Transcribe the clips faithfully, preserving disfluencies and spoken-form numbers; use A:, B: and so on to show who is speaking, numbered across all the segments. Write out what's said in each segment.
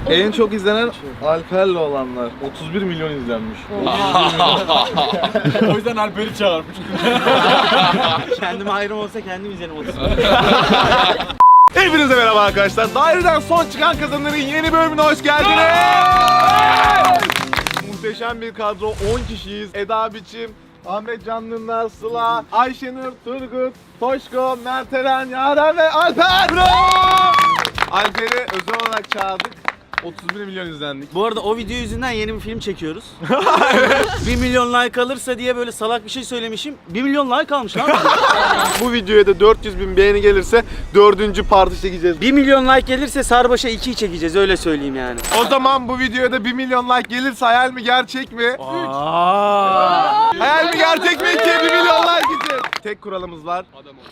A: En çok izlenen Alper'le olanlar. otuz bir milyon izlenmiş.
B: O yüzden Alper'i çağırmış.
C: Kendime ayrım olsa kendim izlerim otuz.
A: Hepinize merhaba arkadaşlar. Daireden son çıkan kazanların yeni bölümüne hoş geldiniz. Muhteşem bir kadro, on kişiyiz. Eda Biçim, Ahmet Canlılar, Sıla, Ayşenur, Turgut, Toşko, Mertelen, Yaren ve Alper. Bravo! Alper'i özel olarak çağırdık. otuz bir milyon izlendik.
C: Bu arada o video yüzünden yeni bir film çekiyoruz. bir milyon like alırsa diye böyle salak bir şey söylemişim. bir milyon like almış lan.
A: Bu videoya da dört yüz bin beğeni gelirse dördüncü partı çekeceğiz.
C: bir milyon like gelirse Sarbaş'a ikiyi çekeceğiz, öyle söyleyeyim yani.
A: O zaman bu videoya da bir milyon like gelirse hayal mi gerçek mi? Hayal mi gerçek mi ki bir milyon like için? Tek kuralımız var.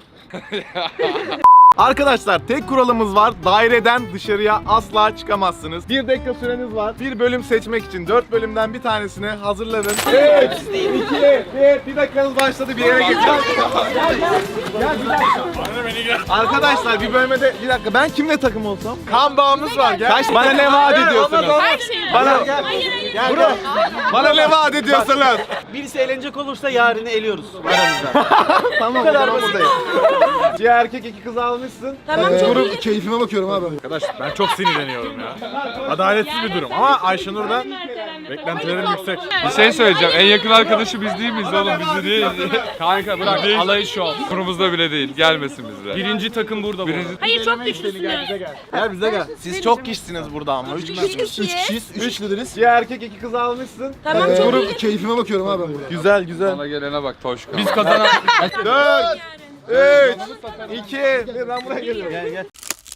A: Arkadaşlar tek kuralımız var. Daireden dışarıya asla çıkamazsınız. Bir dakika süreniz var. Bir bölüm seçmek için dört bölümden bir tanesini hazırlanın. üç, iki, bir. Bir dakikanız başladı, bir yere geçin. Gel, gel. Gel, bir dakika. Arkadaşlar bir bölüme de bir dakika, ben kimle takım olsam? Kan bağımız var. Gel. Bana ne vaat ediyorsunuz?
D: Her şeyi.
A: Bana
D: Hayır hayır.
A: gel buraya. Bana ne vaat ediyorsunuz?
C: Birisi eğlenecek olursa yarını eliyoruz aramızda.
A: Tamam, bu kadar basit. Bir erkek iki kız almışsın.
D: Tamam çok iyi.
B: Keyfime bakıyorum abi. Arkadaş ben çok sinirleniyorum ya. Adaletsiz bir durum ama Ayşenur'dan beklentilerim yüksek.
E: Bir şey söyleyeceğim. En yakın arkadaşı biz değil miyiz oğlum? Bizi değil. Kanka bırak. Alayı şu an. Kurumuzda bile değil. Gelmesin bizde.
B: Birinci takım burada bu.
E: Birinci...
D: Hayır çok güçlüsünüz.
A: Gel bize gel. Siz çok kişisiniz burada ama. Üç kişi.
D: Üç kişiyiz.
B: Üç lideriz.
A: Bir erkek iki kız almışsın.
D: Tamam çok iyi.
B: Keyfime bakıyorum abi ben burada.
A: Güzel güzel.
E: Bana gelene bak Toşko.
B: Biz kazanan...
A: Dört, üç, iki, bir. Ben buraya geliyorum.
C: Gel gel.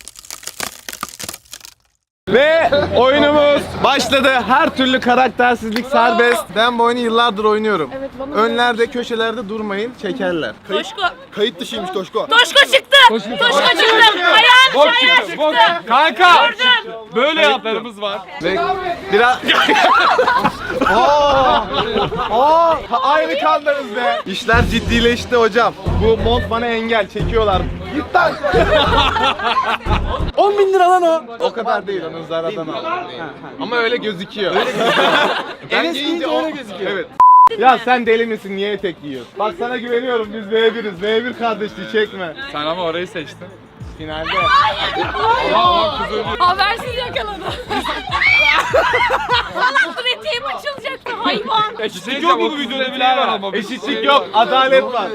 A: Ve oyunumuz başladı. Her türlü karaktersizlik serbest. Ben bu oyunu yıllardır oynuyorum. Önlerde, köşelerde durmayın, çekerler.
D: Toşko.
B: Kayıt dışıymış Toşko.
D: Toşko çıktı. Toşko çıktı. Ayağın
E: Bok
D: ayağı
E: çıktı. Bok.
D: çıktı.
E: Kanka.
D: Gördüm.
E: Böyle yaplarımız var.
A: Ve biraz... Aa! Aa! Aynı kandınız be. İşler ciddileşti hocam. Bu mont bana engel, çekiyorlar. Git lan.
C: on bin lira lan o.
A: O kadar değil, onu Zara'dan aldım. Ama öyle gözüküyor. Öyle ben giyince öyle gözüküyor. Evet. Ya sen deli misin? Niye etek giyiyorsun? Bak sana güveniyorum, biz V biriz. V bir kardeşliği çekme.
E: Sen ama orayı seçtin.
A: Finalde.
D: Habersiz yakaladı. Salaktır eteğim açılacaktı hayvan.
E: Eşitlik yok mu bu videoda? Bile var ama.
A: Eşitlik yok, adalet var.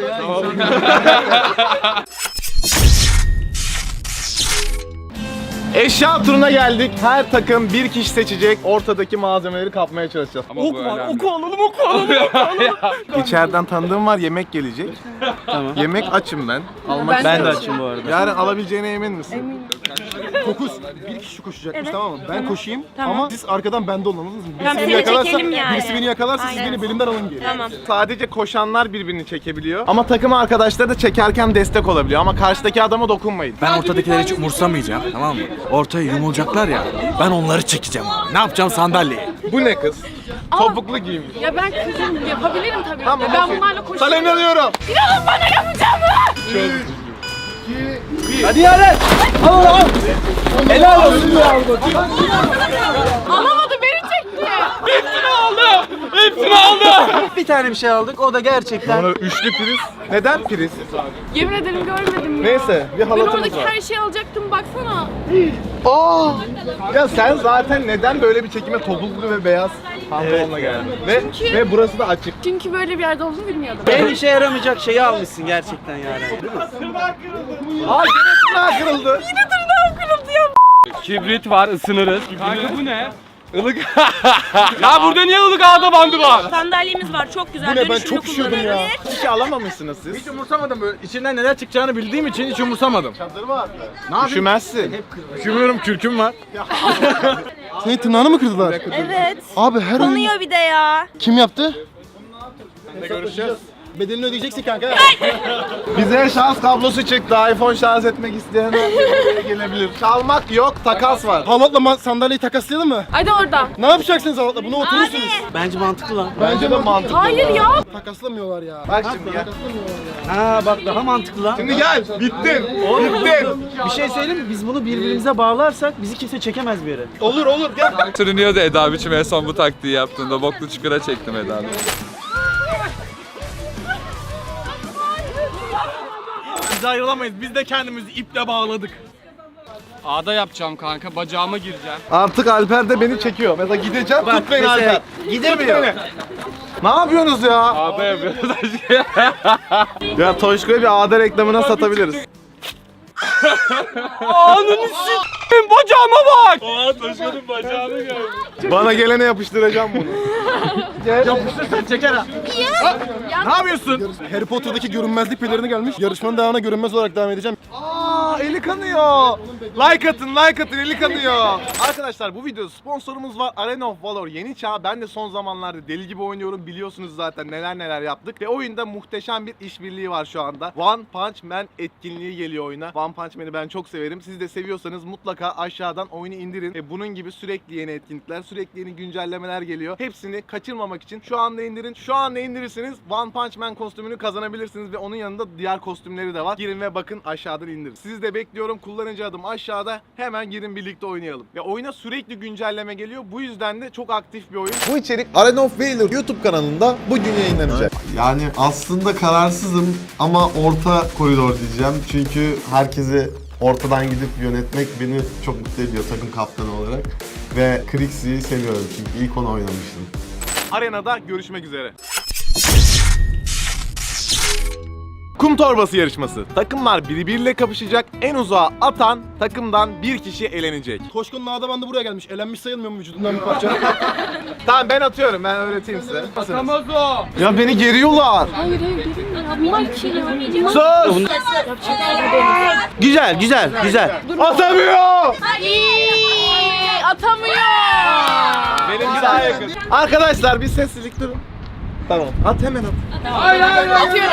A: Eşya turuna geldik. Her takım bir kişi seçecek. Ortadaki malzemeleri kapmaya çalışacağız.
E: Ama bu önemli.
C: alalım, oku alalım.
A: İçeriden tanıdığım var, yemek gelecek.
C: Tamam.
A: Yemek açım ben. Almak
C: Ben de
A: istiyorum.
C: açım bu arada.
A: Yarın alabileceğine emin misin?
B: Fokus. Bir kişi koşacakmış
D: Evet.
B: tamam mı? Ben koşayım
D: Tamam.
B: ama siz arkadan bende olun anladınız mı? Birisi
D: Tamam,
B: beni
D: seni
B: yakalarsa,
D: çekelim yani.
B: birisi beni yakalarsa siz
D: Aynen.
B: beni belimden alın geri.
D: Tamam.
A: Sadece koşanlar birbirini çekebiliyor. Ama takım arkadaşları da çekerken destek olabiliyor. Ama karşıdaki adama dokunmayın.
F: Ben ortadakileri hiç umursamayacağım, tamam mı? Ortaya yumulacaklar ya, ben onları çekeceğim abi. Ne yapacağım sandalyeyi?
A: Bu ne kız? Topuklu giymiş.
D: Ya ben kızım yapabilirim tabii.
A: Tamam,
D: ben
A: okey.
D: bunlarla
A: Sana
D: koşuyorum.
A: inanıyorum.
D: İnanın bana yapacağım mı?
C: Hadi Yaren. Al al al. Helal olsun.
D: Alamadı beni çekti.
E: Hepsini aldı.
C: Bir tane bir şey aldık, o da gerçekten.
A: Üçlü priz. Neden priz?
D: Yemin ederim görmedim ya.
A: Neyse, bir
D: Ben
A: halatımız
D: oradaki
A: var.
D: her şeyi alacaktım baksana.
A: Aa! Ya sen zaten neden böyle bir çekime topuklu ve beyaz pantolonla geldin? Ve
D: Çünkü-
A: ve burası da açık.
D: Çünkü böyle bir yerde olduğunu bilmiyordum.
C: En işe yaramayacak şeyi almışsın gerçekten Yaren.
A: Aa, yine tırnağı kırıldı.
E: Kibrit var, ısınırız. Kanka bu ne? Ilık. Ya burada niye ılık ağda bandı var?
D: Sandalyemiz var çok güzel.
B: Bu ne ben
D: Dönüşümlü
B: çok üşüyordum ya.
D: kullanılabilir.
A: Hiç şey alamamışsınız siz.
B: Hiç umursamadım böyle. İçinden neler çıkacağını bildiğim için hiç umursamadım.
A: Çadır mı attı?
B: Ne yapayım?
A: Üşümezsin.
B: Üşümüyorum, kürküm var. Senin tırnağını mı kırdılar?
D: Evet.
B: Abi her oyun...
D: Konuyor bir de ya.
B: Kim yaptı?
A: Görüşeceğiz.
G: Bedelini ödeyeceksin kanka.
A: Bize şans kablosu çıktı. iPhone şarj etmek isteyen buraya gelebilir. Çalmak yok, takas var.
G: Halatla ma- sandalyeyi takaslayalım mı?
D: Hadi oradan.
G: Ne yapacaksınız halatla? Buna oturursunuz.
C: Bence mantıklı lan.
A: Bence de mantıklı.
D: Hayır ya.
G: Takaslamıyorlar ya.
A: Bak şimdi gel.
C: Ha bak daha mantıklı lan.
A: Şimdi gel. Bittin. Bittin.
C: Bir şey söyleyeyim mi? Biz bunu birbirimize bağlarsak bizi kimse çekemez bir yere.
A: Olur olur gel.
E: Sürünüyordu Eda biçim en son bu taktiği yaptığında. Boklu çukura çektim Eda'nı.
F: Biz ayrılamayız. Biz de kendimizi iple bağladık.
H: Ağda yapacağım kanka, bacağıma gireceğim.
A: Artık Alper de beni çekiyor. Mesela gideceğim.
C: Bak
A: Tut beni
C: mesela
A: Alper.
C: gidemiyor.
A: Ne yapıyorsunuz ya?
E: Ağda yapıyoruz.
A: Ya Toşko'yu bir ağda reklamına satabiliriz.
H: Ananı s***im, bacağıma bak!
E: Aa Toşko'nun bacağını gör.
A: Bana gelene yapıştıracağım bunu.
F: Yapıştırsan çeker ha. Ne yapıyorsun?
G: Harry Potter'daki görünmezlik pelerini gelmiş. Yarışmanın devamına görünmez olarak devam edeceğim.
A: Aa eli kanıyor. Like atın, like atın, eli kanıyor. Arkadaşlar bu videoda sponsorumuz var. Arena of Valor yeni çağ. Ben de son zamanlarda deli gibi oynuyorum. Biliyorsunuz zaten neler neler yaptık. Ve oyunda muhteşem bir işbirliği var şu anda. One Punch Man etkinliği geliyor oyuna. One Punch Man'i ben çok severim. Siz de seviyorsanız mutlaka aşağıdan oyunu indirin. Ve bunun gibi sürekli yeni etkinlikler, sürekli yeni güncellemeler geliyor. Hepsini kaçırmamak için şu anda indirin. Şu anda indirirseniz One Punch Man kostümünü kazanabilirsiniz ve onun yanında diğer kostümleri de var. Girin ve bakın aşağıdan indirin. Sizi de bekliyorum. Kullanıcı adım aşağıda. Hemen girin birlikte oynayalım. Ve oyuna sürekli güncelleme geliyor. Bu yüzden de çok aktif bir oyun.
I: Bu içerik Arena of Valor YouTube kanalında bugün yayınlanacak. Yani aslında kararsızım ama orta koridor diyeceğim. Çünkü herkesi ortadan gidip yönetmek beni çok mutlu ediyor takım kaptanı olarak. Ve Krixi'yi seviyorum çünkü ilk onu oynamıştım.
A: Arenada görüşmek üzere. Kum torbası yarışması. Takımlar birbiriyle kapışacak. En uzağa atan takımdan bir kişi elenecek.
G: Toşko'nun ağda bandı buraya gelmiş. Elenmiş sayılmıyor mu vücudundan bir parça?
A: Tamam ben atıyorum. Ben öğreteyim size.
H: Atamaz o.
A: Ya beni geriyorlar.
D: Hayır hayır dedim ya. Bunlar kim ya?
A: Sus!
C: Güzel güzel güzel.
A: Atamıyor!
D: Ay, atamıyor.
A: Benimki daha yakın. Arkadaşlar bir sessizlik durun. Tamam. At hemen at.
D: Atıyorum.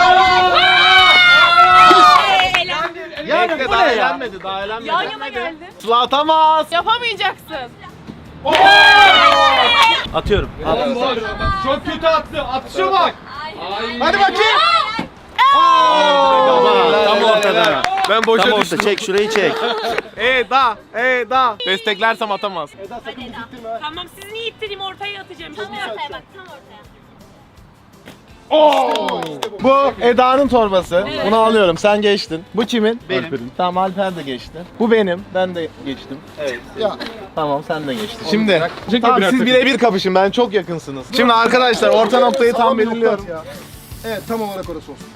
A: Bekle daha eğlenmedi. Daha eğlenmedi.
D: Yan yana geldi.
A: Sıla atamaz.
D: Yapamayacaksın.
C: Atıyorum.
A: Çok kötü attı. Atışa bak. Hadi bakayım.
C: Tam ortada.
A: Ben boşa
C: Tam orta.
A: düştüm.
C: Çek şurayı çek.
A: Eda, Eda. Desteklersem atamaz.
D: Tamam siz niye ittireyim ortaya atacağım. Tam ortaya bak tam ortaya.
A: Bu Eda'nın torbası. Bunu alıyorum. Sen geçtin. Bu kimin? Benim. Tamam Alper de geçti. Bu benim. Ben de geçtim. Evet. Ya. Tamam sen de geçtin. Şimdi tamam, siz birebir kapışın. Ben çok yakınsınız. Şimdi arkadaşlar orta noktayı tam belirliyorum.
G: Ya. Evet tam olarak orası olsun.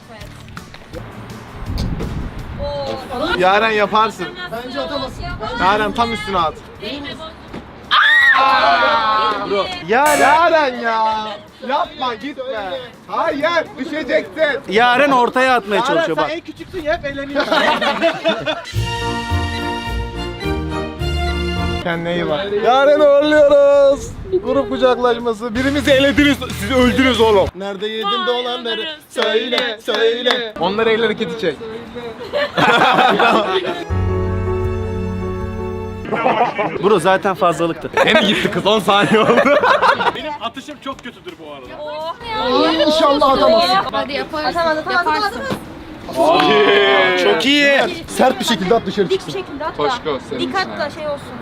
A: Yaren yaparsın.
G: Bence atamazsın.
A: Yaren tam üstüne at.
C: Bro.
A: Ya Yaren ya. Yapma gitme. Hayır düşeceksin.
C: Yaren ortaya atmaya çalışıyor bak.
A: en küçüksün ya hep eğleniyorsun. Kendine iyi bak. Yarın uğurluyoruz. Grup kucaklaşması. Birimizi elediniz. Sizi öldünüz oğlum.
G: Nerede yedin dolanları? Söyle söyle.
A: Onları el hareketi çek.
C: Bro zaten fazlalıktı.
A: Yine gitti kız on saniye oldu.
F: Benim atışım çok kötüdür bu arada.
G: İnşallah atamazsın.
D: Hadi yaparsın. Yaparsın.
C: Çok iyi.
G: Sert bir şekilde at dışarı çıksın.
D: şekilde at
E: Toşko senin
D: Dikkatli şey olsun.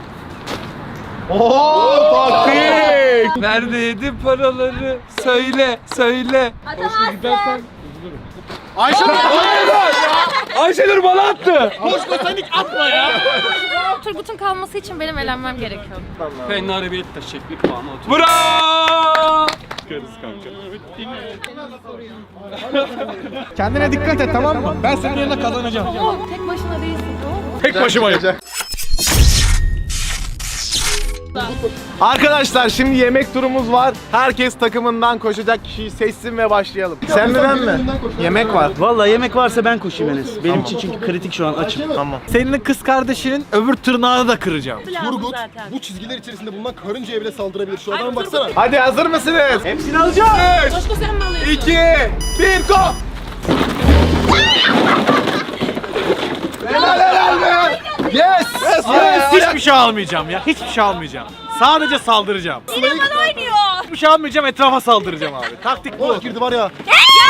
A: Oo taktik.
E: Nerede yedin paraları? Söyle, söyle.
D: Atamazsın.
A: Ayşenur.
E: Ayşenur bana attı.
D: Turgut'un kalması için benim elenmem gerekiyor.
H: Fenari bir teşekkür puanı otur.
E: Bravo.
F: Kendine dikkat et tamam mı? Ben senin yerine kazanacağım.
D: Tek başına değilsin tamam mı?
F: Tek başımayım.
A: Arkadaşlar şimdi yemek turumuz var. Herkes takımından koşacak kişiyi seçsin ve başlayalım. Sen mi ben mi? Yemek var.
C: Vallahi yemek varsa ben koşayım Enes. Benim için çünkü kritik şu an açım.
A: Tamam.
F: Senin kız kardeşinin öbür tırnağını da kıracağım.
G: Turgut
D: zaten.
G: bu çizgiler içerisinde bulunan karıncaya bile saldırabilir. Şu adama baksana.
A: Hadi hazır mısınız?
C: Hepsini alacağım.
D: Coşku sen mi alıyorsun?
A: iki, bir, go! Helal helal be! Yes! Yes! yes.
F: Hiçbir şey almayacağım ya. Hiçbir şey almayacağım. Sadece saldıracağım.
D: Yine bana oynuyor.
F: Hiçbir şey almayacağım, etrafa saldıracağım abi. Taktik bu.
G: Oh girdi var ya.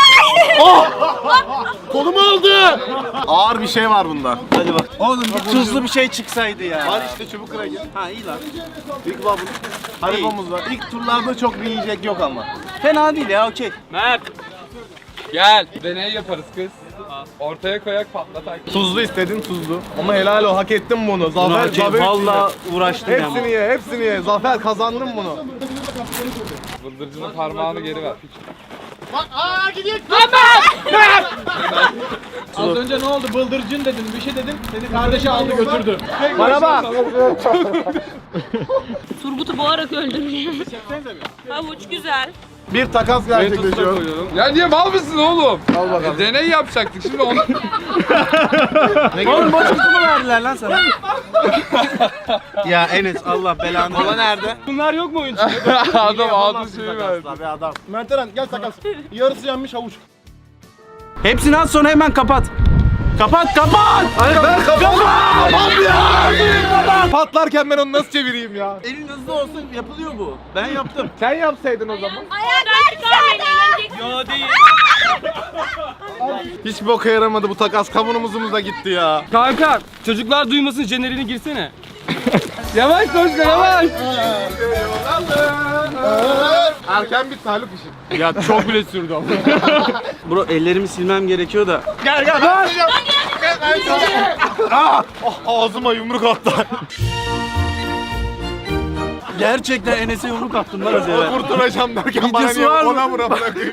A: Kolumu aldı! Ağır bir şey var bunda.
C: Hadi bak. Oğlum bir tuzlu bir şey çıksaydı ya.
A: Var işte çubuk kıracı.
C: Ha iyi lan.
A: İlk var bunun. Haribomuz var. İlk turlarda çok bir yiyecek yok ama.
C: Fena değil ya okey.
H: Mert. Gel. Deney yaparız kız. Ortaya koyak patlatak.
A: Tuzlu istedin tuzlu. Ama helal o hak ettin bunu. Zafer,
C: Okey,
A: Zafer
C: vallahi uğraştım ya.
A: hepsini ye, hepsini ye. Zafer kazandın bunu.
H: Bıldırcının parmağını geri ver. Piç.
B: Az önce ne oldu? Bıldırcın dedin, bir şey dedim. Seni kardeşi aldı götürdü.
A: Bana bak.
D: Turgut'u boğarak öldürüyor. Havuç güzel.
A: Bir takas gerçekleşiyor.
E: Ya niye mal mısın oğlum? Al bakalım. Deney yapacaktık şimdi onu.
C: Oğlum boş kutumu verdiler lan sana. Ya Enes Allah belanı.
A: Kola nerede?
B: Bunlar yok mu oyuncu?
E: Adam aldı şeyi verdi.
A: Be adam.
G: Mert Eren gel takas. Yarısı yenmiş havuç.
C: Hepsini at sonra hemen kapat. Kapat kapat.
A: Ben kapat. ya. Patlarken ben onu nasıl çevireyim ya?
C: Elin hızlı olsun yapılıyor bu. Ben yaptım.
A: Sen yapsaydın o zaman.
C: Yo değil.
A: Hiç boka yaramadı bu takas. Kavunumuzumuz da gitti ya.
H: Kanka çocuklar duymasın jeneriğini girsene. Yavaş Coşku yavaş.
A: Erken bitti Haluk işi.
H: Ya çok bile sürdü ama.
C: Bro ellerimi silmem gerekiyor da.
A: Gel gel. Ben Ah, oh, ağzıma yumruk attı.
C: Gerçekten Enes'e yumruk attım lan az evvel.
A: Kurtulacağım derken bana
C: Videosu
A: niye
C: var mı?
A: ona vura bırakıyor.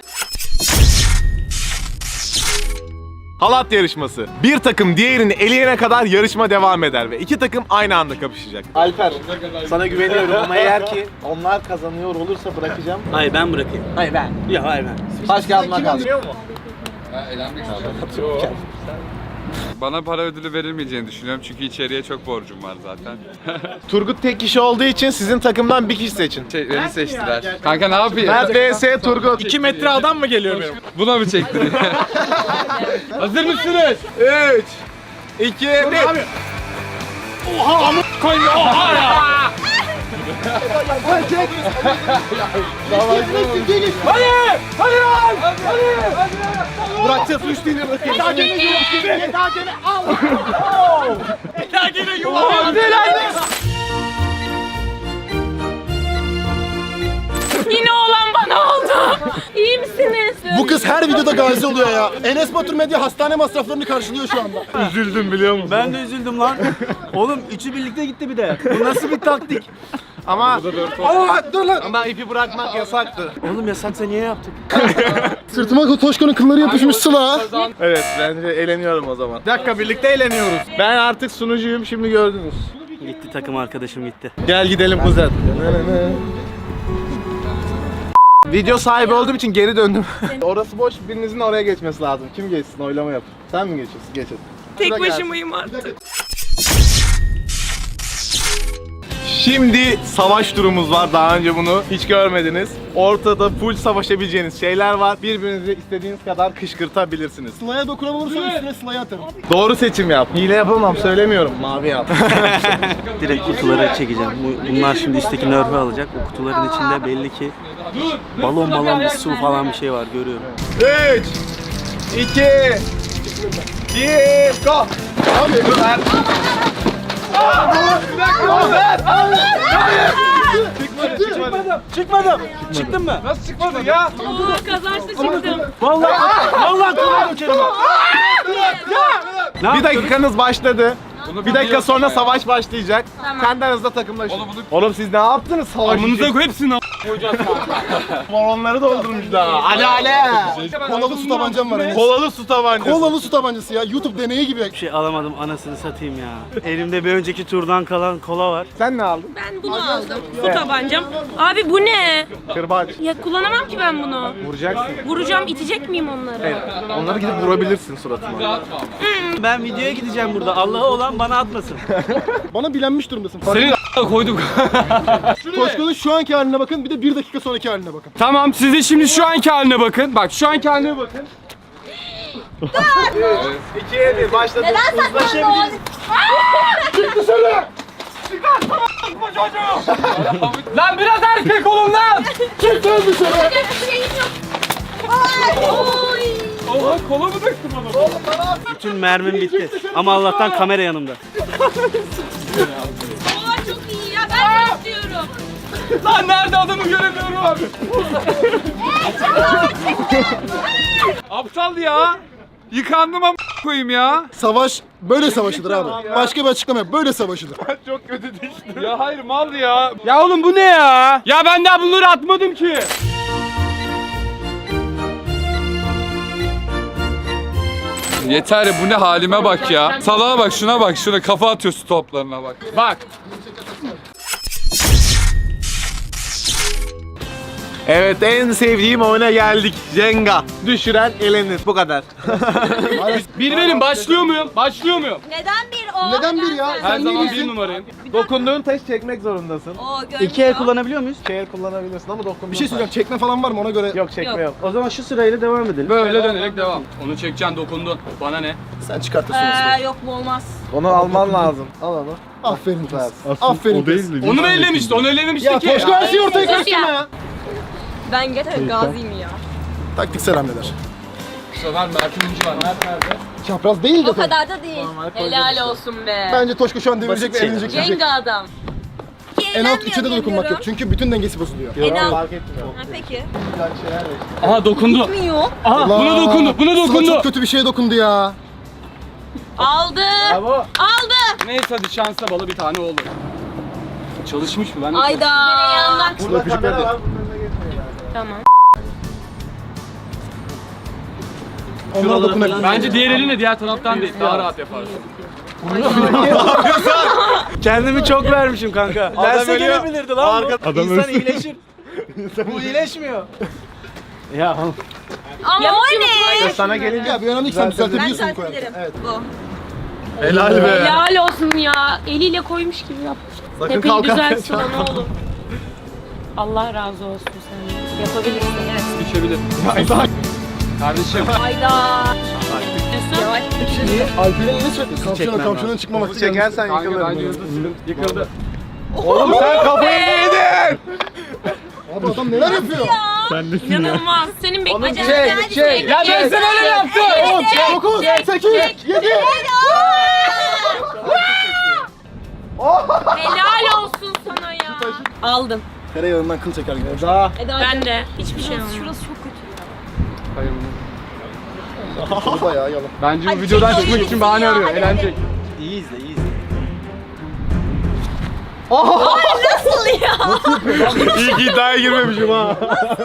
A: Halat yarışması. Bir takım diğerini eleyene kadar yarışma devam eder ve iki takım aynı anda kapışacak. Alper, sana güveniyorum ama eğer ki onlar kazanıyor olursa bırakacağım.
C: Hayır ben bırakayım.
A: Hayır ben.
C: Ya hayır ben.
A: Taş kağıt makas.
E: Ha, elenmek istiyorum. Bana para ödülü verilmeyeceğini düşünüyorum çünkü içeriye çok borcum var zaten.
A: Turgut tek kişi olduğu için sizin takımdan bir kişi seçin.
E: Şey, beni seçtiler. Kanka ne yapayım?
A: Mert vs Turgut.
F: iki metre adam mı geliyor benim?
E: Buna mı çektin?
H: Hazır mısınız?
A: üç, iki, bir. Bırakacağız üç değil bırakayım. Daha gene gene daha gene al. Daha gene yuvarlan.
D: Yine olan bana oldu. İyi misiniz?
G: Bu kız her videoda gazi oluyor ya. Enes Batur Medya hastane masraflarını karşılıyor şu anda.
A: Üzüldüm biliyor musun?
C: Ben de üzüldüm lan. Oğlum üçü birlikte gitti bir de. Bu nasıl bir taktik?
A: Ama
G: Aa dur lan.
A: ama ipi bırakmak yasaktı.
C: Oğlum yasaksa niye yaptık?
G: Sırtıma Toşko'nun kılları yapışmış Sıla.
A: Evet bence eğleniyorum o zaman.
F: Bir dakika birlikte eğleniyoruz.
A: Ben artık sunucuyum şimdi gördünüz.
C: Gitti takım arkadaşım gitti.
A: Gel gidelim kuzen. Video sahibi olduğum için geri döndüm. Orası boş, birinizin oraya geçmesi lazım. Kim geçsin? Oylama yap. Sen mi geçiyorsun? Geç hadi.
D: Tek
A: Şurada gelsin.
D: başımayım artık.
A: Şimdi savaş turumuz var. Daha önce bunu hiç görmediniz. Ortada full savaşabileceğiniz şeyler var. Birbirinizi istediğiniz kadar kışkırtabilirsiniz.
G: Sıla'ya dokunamazsan üstüne Sıla'ya atarım.
A: Doğru seçim yap. Hile yapamam söylemiyorum. Mavi yap.
C: Direkt kutuları çekeceğim. Bu- Bunlar şimdi üstteki nerf'ü alacak. O kutuların içinde belli ki balon balon bir su falan bir şey var görüyorum.
A: üç, iki, bir, go! Abi ver.
C: Çıkmadım. Çıkmadım. Çıktın mı?
E: Nasıl çıkmadın ya?
D: Oo, kazançlı çıktım.
C: Vallahi vallahi kulağa dökerim.
A: Bir dakikanız başladı.
E: Bunu
A: Bir dakika
E: biliyorsun
A: sonra
E: ya.
A: savaş başlayacak.
D: Tamam.
A: Kendi aranızda takımlaşın.
E: Oğlum bunu
A: Oğlum siz ne yaptınız savaş için?
H: Amınıza koy hepsini. koyacağız kanka.
A: Balonları doldurmuşlar. Hadi hadi.
G: Kolalı su tabancam var Enes.
A: Kolalı su tabancası.
G: Kolalı su tabancası ya. YouTube deneyi gibi.
C: Bir şey alamadım anasını satayım ya. Elimde bir önceki turdan kalan kola var.
A: Sen ne aldın?
D: Ben bunu aldım. Su tabancam. Abi bu ne?
A: Kırbaç.
D: Ya kullanamam ki ben bunu.
A: Vuracaksın.
D: Vuracağım, itecek miyim onları?
A: Onları gidip vurabilirsin suratına.
C: Ben videoya gideceğim burada. Allah'a olan bana atmasın.
G: Bana bilenmiş durumdasın.
H: Senin a**a koyduk.
G: Toşko'nun şu anki haline bakın, bir de bir dakika sonraki haline bakın.
H: Tamam siz de şimdi şu anki haline bakın. Bak şu anki haline bakın.
A: ikiye bir başladı.
H: Lan biraz erkek olun lan. Oha kola mı döktüm onu?
C: Bütün mermim bitti. Ama Allah'tan kamera yanımda.
D: Aa çok iyi ya, ben de istiyorum.
H: Lan nerede adamı göremiyorum abi. Aptal ya. Yıkandım ama koyayım ya.
G: Savaş böyle savaşılır abi. Başka bir açıklama yok. Böyle savaşılır.
A: Çok kötü düştü.
H: Ya hayır mal ya. Ya oğlum bu ne ya? Ya ben daha bunları atmadım ki. Yeter ya bu ne halime bak ya. Salağa bak şuna bak şuna kafa atıyorsun toplarına bak. Bak.
A: Evet en sevdiğim oyuna geldik. Jenga. Düşüren elenir. Bu kadar.
H: Bir benim başlıyor muyum? Başlıyor muyum?
D: Neden bir o?
G: Neden bir ya?
H: Her zaman bir numarayım.
A: Dokunduğun taş çekmek zorundasın.
D: O görünüyor.
C: İki el kullanabiliyor muyuz?
A: İki el kullanabilirsin ama dokunduğun
G: Bir şey söyleyeceğim. Çekme falan var mı ona göre?
A: Yok çekme yok.
C: O zaman şu sırayla devam edelim.
H: Böyle dönerek devam. Onu çekeceksin dokundun. Bana ne?
G: Sen çıkartırsın.
D: Ee, yok bu olmaz.
A: Onu alman lazım. Al onu.
G: Aferin kız. Aferin kız.
H: Onu mu ellemişti? Onu ellememişti
G: Ya
H: ki.
G: Toşko her şeyi ortaya
D: Sus
G: karıştırma
D: ya.
G: ya.
D: Ben gerçekten gaziyim ya.
G: Taktiksel hamleler.
H: Bu sefer Mert Ünlücü var. Mert nerede?
G: Çapraz değil de.
D: O kadar da değil. Helal olsun be.
G: Bence Toşko şu an devirecek ve
C: Basit
G: elenecek. diyecek.
D: Jenga adam.
G: En alt üçe de dokunmak yok çünkü bütün dengesi bozuluyor.
D: En alt.
A: Fark etmiyor.
D: Ha, peki.
H: Aha dokundu.
D: Bilmiyor.
H: Aha buna dokundu. Buna
G: Sıla
H: dokundu.
G: çok kötü bir şeye dokundu ya.
D: Aldı.
A: Bravo.
D: Aldı.
H: Neyse hadi şansa balı bir tane olur. Çalışmış mı? Ben de
D: Ayda. Yandan.
A: Burada kamera var. Bunun önüne geçmeyin.
D: Tamam.
G: Onlara dokunabilir.
H: Bence diğer elinle diğer taraftan değil. Daha rahat yaparsın.
C: Kendimi çok vermişim kanka. Derse
A: ölüyor.
C: gelebilirdi lan bu.
A: Arka-
C: İnsan iyileşir. Bu iyileşmiyor. Ya
D: Ama o ne?
A: Sana gelince
G: Ya bir önemli ki sen
D: Ben
G: düzeltebiliyorsun
D: ters
G: koyarken.
D: ederim.
G: Evet.
D: Bu.
A: helal be.
D: Helal olsun ya. Eliyle koymuş gibi yap.
A: Sakın
D: Tepeyi
A: kalkarken
D: düzelt Sıla ne olur. Allah razı olsun sen. Yapabilirsin evet.
H: Düşebilir. Kardeşim.
D: Hayda. Yavaş.
G: Alper'in ne sürekli? Kavşağına kavşağına çıkmamak
A: Bunu çekersen
H: Kanka
A: yıkılır.
H: bence yıldız yıkıldı.
A: Oğlum sen kafayı yedin.
G: Abi adam neler yapıyor?
D: İnanılmaz. Senin bekleyeceğin.
A: çek,
D: Hadi
A: çek.
D: çek.
H: Ya ben sana öyle yaptım.
G: on, dokuz, sekiz, yedi.
D: Helal olsun sana ya. Aldım.
G: Tereyağından kıl çeker gibi.
A: Daha.
D: Ben de. Hiçbir şey olmadı. Şurası çok kötü.
H: Hayır.
G: Bu bayağı yalan.
H: Bence bu
D: Hadi
H: videodan
D: çek
H: çıkmak
D: oyunu
H: için bahane
D: ya,
H: arıyor.
D: hadi,
H: Eğlenecek.
C: iyi izle iyi izle.
D: Nasıl ya?
A: İyi ki iddiaya girmemişim ha.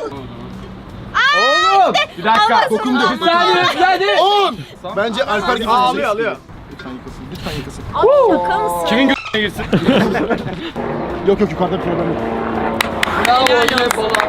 G: Oğlum!
H: Bir dakika.
G: Dokundu.
H: Bir saniye. Bir saniye.
G: on. Bence Alper gibi
A: Alıyor
G: izleyeceksin.
A: alıyor.
G: Lütfen yıkasın. Lütfen yıkasın.
D: Abi şaka mısın?
H: Kimin g***ne girsin?
G: Yok yok yukarıda bir problem yok.
H: Bravo.
D: Helal
H: Helal
D: olsun.
H: olsun.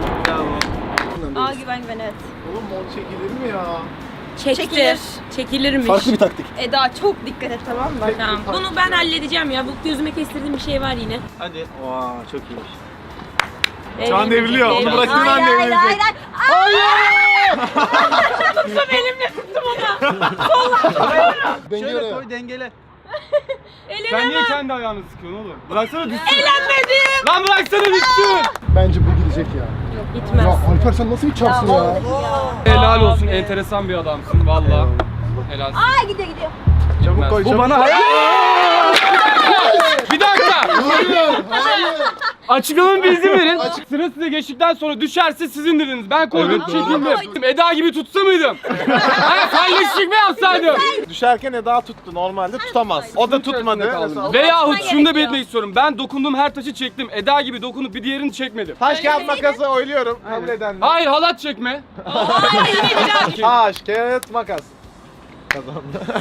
D: Aa güven güven evet.
A: Oğlum mor çekilir mi ya?
D: Çekilir. Çekilirmiş.
G: Farklı bir taktik.
D: Eda çok dikkat et tamam mı? Tamam. Bunu ben halledeceğim ya. Bu gözüme kestirdiğim bir şey var yine.
C: Hadi. Oha çok iyiymiş.
A: Şu an devriliyor. Onu bıraktığın an
D: Hayır hayır
A: devrilecek.
D: hayır. Hayır. Tuttum elimle tuttum onu.
G: Dengeli
C: Şöyle
G: oraya.
C: koy dengele.
D: Elime
H: Sen niye
D: bak.
H: kendi ayağını sıkıyorsun oğlum? Bıraksana düşsün.
D: Eğlenmedim.
H: Lan bıraksana düşsün.
G: Bence bu gidecek ya.
D: Gitmez.
G: Ya Alper sen nasıl bir çapsın ya?
H: Helal olsun. Enteresan bir adamsın valla. Helal.
D: Aa gidiyor gidiyor.
A: Çabuk koy
C: Bu
A: çabuk.
C: bana hayır.
H: Bir dakika.
G: Hayır, hayır.
J: Açıklamamı bir izin verin. Sıra size geçtikten sonra düşerse sizin dediniz. Ben koydum çekildim. Eda gibi tutsa mıydım? Ha, kalleşlik mi yapsaydım?
A: Düşerken Eda tuttu. Normalde tutamaz. O da tutmadı.
J: Veyahut şunu da belirtmek istiyorum. Ben dokunduğum her taşı çektim. Eda gibi dokunup bir diğerini çekmedim.
A: Taş kağıt makası oyluyorum. Kabul edenler.
J: Hayır, halat çekme.
A: Taş kağıt makas. Kazandı.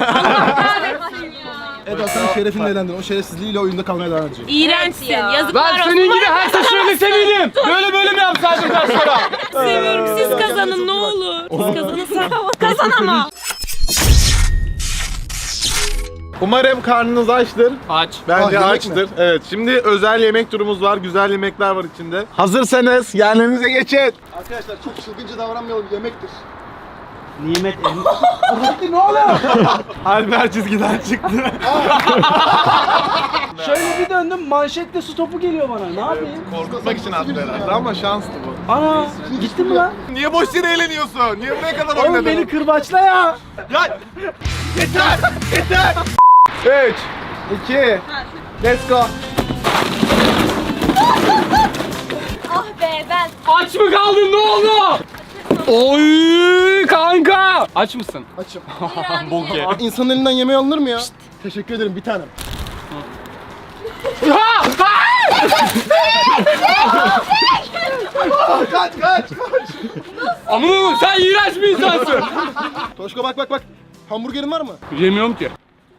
G: Eda sen şerefinle elendin. O şerefsizliğiyle oyunda kalmaya devam edecek.
D: İğrençsin. Yazıklar
J: Ben
D: olsun.
J: senin gibi her taşını seveydim. Böyle böyle mi yapsaydım taşlara?
D: Seviyorum. Siz kazanın ne olur. Siz kazanırsa kazan ama.
A: Umarım karnınız açtır.
J: Aç.
A: Bence
G: Ah, yemek
A: açtır. Evet, şimdi özel yemek turumuz var. Güzel yemekler var içinde. Hazırsanız yerlerinize geçin.
G: Arkadaşlar çok çılgınca davranmayalım. Yemektir.
C: Nimet
A: Alper çizgiden çıktı.
C: Şöyle bir döndüm, manşette su topu geliyor bana. Ne yapayım?
A: Korkutmak için attı herhalde ama şanstı bu.
C: Ana, gitti mi lan?
A: Niye boş yere eğleniyorsun? Niye buraya kadar
C: Oğlum
A: oynadın?
C: beni kırbaçla ya.
A: Ya! Yeter! Yeter! üç, iki, let's go.
D: Ah be ben.
J: Aç mı kaldın, ne oldu? Oy kanka. Aç mısın?
G: Açım.
J: Bok ye.
G: İnsanın elinden yemeği alınır mı ya? Teşekkür ederim bir tanem.
A: Kaç kaç!
J: Amına sen iğrenç bir insansın.
G: Toşko bak bak bak. Hamburgerin var mı?
J: Yemiyorum ki.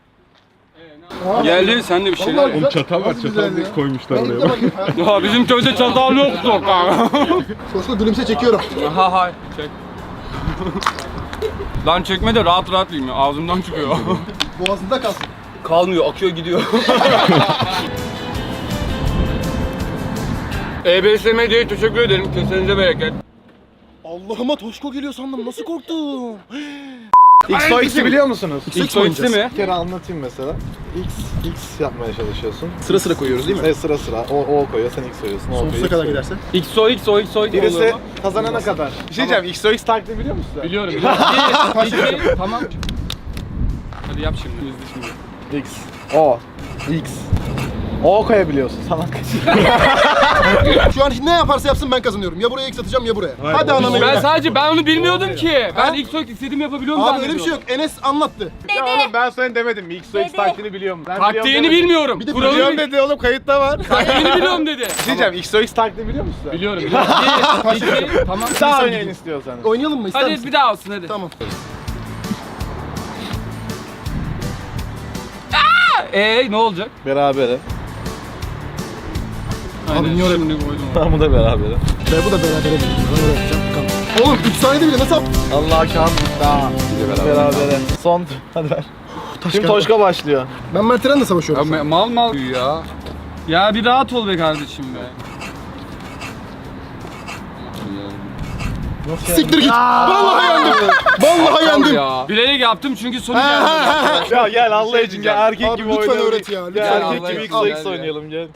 J: Geldi sen de bir şeyler.
G: Oğlum çatal var, çatal
I: koymuşlar
G: oraya.
J: Ya bizim köyde çatal yoktu kanka.
G: Toşko gülümse çekiyorum.
J: Ha ha çek. Lan çekme de rahat rahat yiyeyim ya. Ağzımdan çıkıyor.
G: Boğazında kalsın.
J: Kalmıyor, akıyor gidiyor. E B S Medya'ya teşekkür ederim. Kesenize bereket.
G: Allah'ıma Toşko geliyor sandım. Nasıl korktum?
A: X O X'i biliyor musunuz?
J: X O X'i mi?
A: Bir kere anlatayım mesela. X, X yapmaya çalışıyorsun.
G: Sıra sıra koyuyoruz değil mi?
A: Evet, sıra sıra. O, o koyuyor, sen X koyuyorsun. O
G: Sonsuza
A: koyuyor,
G: kadar
A: X
G: giderse.
J: X O X O X O X
A: Birisi
J: olur mu?
A: kazanana kadar. Bir şey diyeceğim, X O X taktiği biliyor musun sen?
J: Biliyorum. biliyorum. Bir, iki, tamam. Hadi yap şimdi. İzle şimdi.
A: X, O, X. O koyabiliyorsun salak.
G: Şu an ne yaparsa yapsın ben kazanıyorum. Ya buraya X atacağım ya buraya. Hadi ananı.
J: Ben sadece ben onu bilmiyordum ki. Ben X O X istediğimi yapabiliyorum
G: Abi öyle bir şey yok. Enes anlattı.
A: Ya oğlum ben sana demedim mi? X O X
D: Dede.
A: taktiğini biliyorum. Ben
J: Taktiğini bilmiyorum.
G: Bir de
J: Kuralı
A: Biliyorum
J: biliyorum
A: dedi oğlum, kayıtta var.
J: Taktiğini biliyorum dedi.
A: Bir şey diyeceğim, X O X taktiğini biliyor musun sen?
J: Biliyorum. biliyorum. Bir, iki, tamam.
A: Daha oynayın istiyorsanız.
G: Oynayalım mı? İster
J: Hadi
G: misin?
J: bir daha olsun hadi.
G: Tamam.
J: Eee ne olacak?
A: Berabere.
J: Aynen,
G: niye öyle-
J: şimdi koydum.
A: Tamam, bu da berabere.
G: Ve bu da beraber edelim. Ben öyle yapacağım. Bakalım. Oğlum üç saniyede bile nasıl yaptın?
A: Allah kan daha. Berabere. Son. Hadi ver. Şimdi Toşka başlıyor.
G: Ben Mert Eren'le
J: Ya
G: savaşıyorum.
J: me- mal mal ya. Ya bir rahat ol be kardeşim be.
G: Siktir git. Vallahi yendim. Vallahi yendim.
J: Ya. Bilerek yaptım çünkü sonu geldi.
A: Ya gel Allah için gel, erkek
G: Abi
A: gibi
G: lütfen
A: oynayalım.
G: öğret ya,
A: Gel
G: lütfen.
A: erkek
J: Allah
A: gibi
J: için
A: X O X
J: gel ya.
A: oynayalım gel.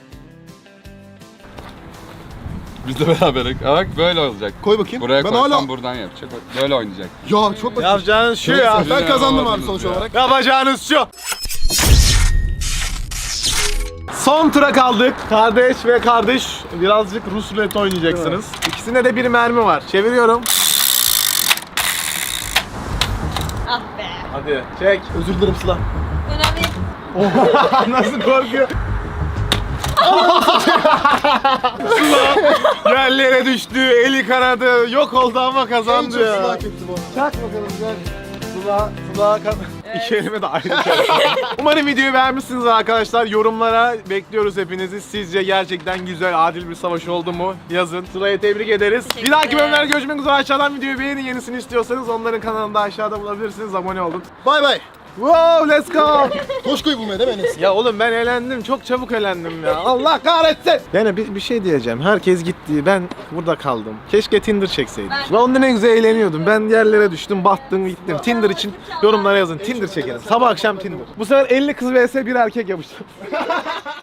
E: Biz de beraber. Bak böyle olacak.
G: Koy bakayım.
E: Buraya
G: ben
E: koysam
G: hala...
E: buradan yapacak. Böyle oynayacak.
G: Ya çok basit.
A: Yapacağınız şu ya.
G: Ben kazandım abi
E: Yapamadınız
G: sonuç
E: ya.
G: olarak.
A: Yapacağınız şu. Son tura kaldık. Kardeş ve kardeş birazcık Rus ruleti oynayacaksınız. İkisinde de bir mermi var. Çeviriyorum.
D: Ah be.
A: Hadi çek.
G: Özür dilerim Sıla.
D: Önemli.
A: Nasıl korkuyor? Sıla yerlere düştü, eli kanadı, yok oldu ama
G: En
A: kazandı
G: çok
A: ya.
G: Sıla hak etti bu.
A: Çak bakalım gel. Sıla, Sıla kan... İki elime de aynı şey. Umarım videoyu beğenmişsiniz arkadaşlar. Yorumlara bekliyoruz hepinizi. Sizce gerçekten güzel, adil bir savaş oldu mu? Yazın. Sıla'yı tebrik ederiz. Bir dahaki bölümlerde görüşmek üzere. Aşağıdan videoyu beğenin. Yenisini istiyorsanız onların kanalında aşağıda bulabilirsiniz. Abone olun.
G: Bay bay.
A: Wow, let's go.
G: Toşko'yu bulmaya değil mi Enes?
A: Ya oğlum ben elendim. Çok çabuk elendim ya. Allah kahretsin. Yani bir, bir şey diyeceğim. Herkes gitti. Ben burada kaldım. Keşke Tinder çekseydim. Ben onda ne güzel eğleniyordum. Ben yerlere düştüm, battım, gittim. Tinder için yorumlara yazın. Tinder çekelim. Sabah akşam Tinder. Bu sefer elli kız vs bir erkek yapıştı.